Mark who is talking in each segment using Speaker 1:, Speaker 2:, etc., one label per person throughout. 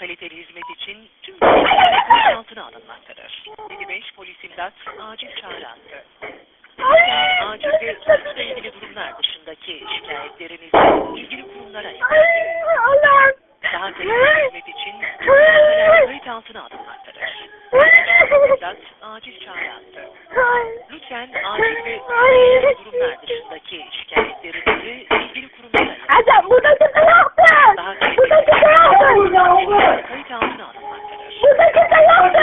Speaker 1: kaliteli hizmet için tüm görüşmeler gözaltına alınmaktadır. 55 polis imdat acil çağrı attı. Acil ve suçla ilgili durumlar dışındaki şikayetlerinizi ilgili kurumlara yapın. Daha kaliteli hizmet için tüm görüşmeler kayıt altına alınmaktadır. İmdat acil çağrı attı. Lütfen acil ve suçla ilgili durumlar dışındaki şikayetlerinizi ilgili kurumlara yapın.
Speaker 2: Adam burada kimse yoktu.
Speaker 1: Daha kaliteli
Speaker 2: Burada kimse yoktu.
Speaker 1: kayıt altına alınmaktadır.
Speaker 2: Burada kimse yoktu.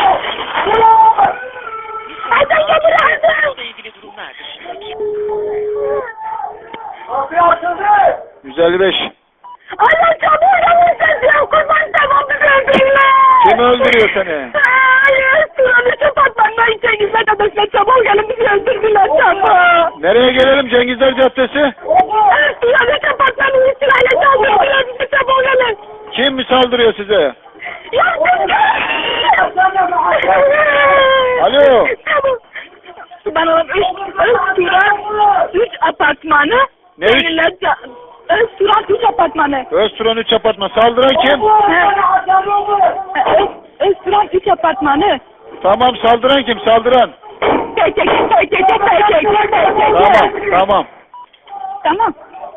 Speaker 2: Adam getirirdi.
Speaker 1: Suçla ilgili durumlar dışındaki
Speaker 3: 155.
Speaker 2: Allah çabuk gelin sen kurban tamam öldürürler.
Speaker 3: Kim öldürüyor seni?
Speaker 2: Hayır, sıranı kapatmandan Cengizler Caddesi'ne çabuk gelin bizi öldürdüler çabuk.
Speaker 3: Nereye gelelim? Cengizler Caddesi.
Speaker 2: Sıranı kapatmanın sırayla çaldırdılar bizi çabuk gelin.
Speaker 3: Kim mi saldırıyor size? Alo.
Speaker 2: Bana üç apartmanı.
Speaker 3: Ne üç?
Speaker 2: Özturan 3 apartmanı.
Speaker 3: Özturan 3 apartman. Saldıran kim?
Speaker 2: Özturan 3 apartmanı.
Speaker 3: Tamam, saldıran kim? Saldıran. Tamam.
Speaker 2: Tamam.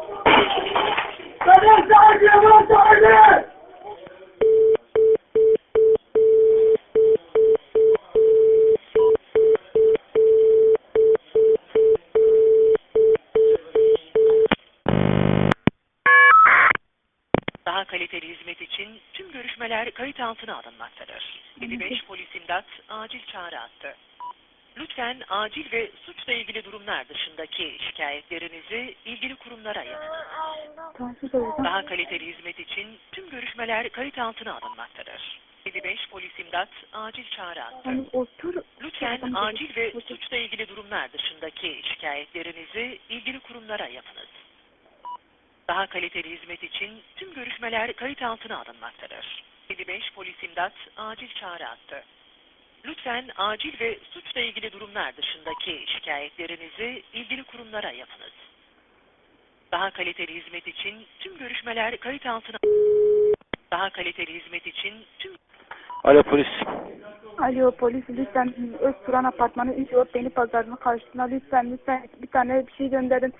Speaker 1: daha kaliteli hizmet için tüm görüşmeler kayıt altına alınmaktadır. 55 polis imdat acil çağrı attı. Lütfen acil ve suçla ilgili durumlar dışındaki şikayetlerinizi ilgili kurumlara yapın. Daha kaliteli hizmet için tüm görüşmeler kayıt altına alınmaktadır. 55 polis imdat acil çağrı attı. Lütfen acil ve suçla ilgili durumlar dışındaki şikayetlerinizi ilgili kurumlara yapınız. Daha kaliteli hizmet için tüm görüşmeler kayıt altına alınmaktadır. 55 polis imdat acil çağrı attı. Lütfen acil ve suçla ilgili durumlar dışındaki şikayetlerinizi ilgili kurumlara yapınız. Daha kaliteli hizmet için tüm görüşmeler kayıt altına daha kaliteli hizmet için tüm
Speaker 3: Alo polis.
Speaker 2: Alo polis lütfen Özturan apartmanı 3 yol beni pazarına karşısına lütfen bir tane bir şey gönderin.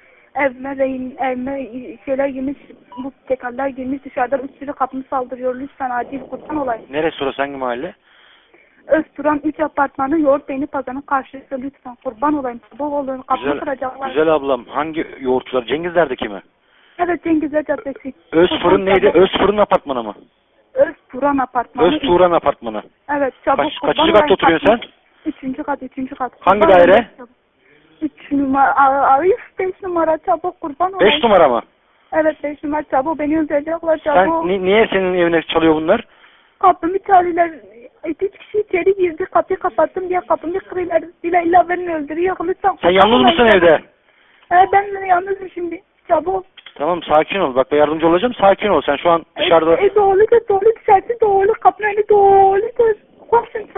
Speaker 2: Evime şeyler girmiş, bu tekerler girmiş dışarıdan 3 sürü kapımı saldırıyor. Lütfen acil kurban olayım.
Speaker 3: Neresi orası? Hangi mahalle?
Speaker 2: Özturan 3 apartmanı yoğurt beyni pazarının karşısında lütfen kurban olayım. Sabah olun kapımı kıracaklar.
Speaker 3: Güzel ablam. Hangi yoğurtçular? Cengizler'deki mi?
Speaker 2: Evet Cengizler Caddesi.
Speaker 3: Özfırın neydi? Özfırın apartmanı mı?
Speaker 2: Özturan apartmanı.
Speaker 3: Özturan apartmanı.
Speaker 2: Evet çabuk
Speaker 3: Kaçıncı katta oturuyorsun sen?
Speaker 2: 3. kat.
Speaker 3: Hangi daire?
Speaker 2: 3 numara. 5 numara çabuk kurban olayım.
Speaker 3: 5 numara mı?
Speaker 2: Evet 5 numara çabuk beni öldürecekler çabuk.
Speaker 3: Sen niye senin evine çalıyor bunlar?
Speaker 2: Kapımı çalıyorlar. 3 kişi içeri girdi. Kapıyı kapattım diye kapımı kırıyorlar. İlla beni öldürüyor. Lütfen.
Speaker 3: Sen yalnız mısın evde?
Speaker 2: Ben yalnızım şimdi. Çabuk.
Speaker 3: Tamam sakin ol. Bak ben yardımcı olacağım. Sakin ol. Sen şu an dışarıda...
Speaker 2: Doğru dışarısı doğru. Kapının önü doğru. Koşun.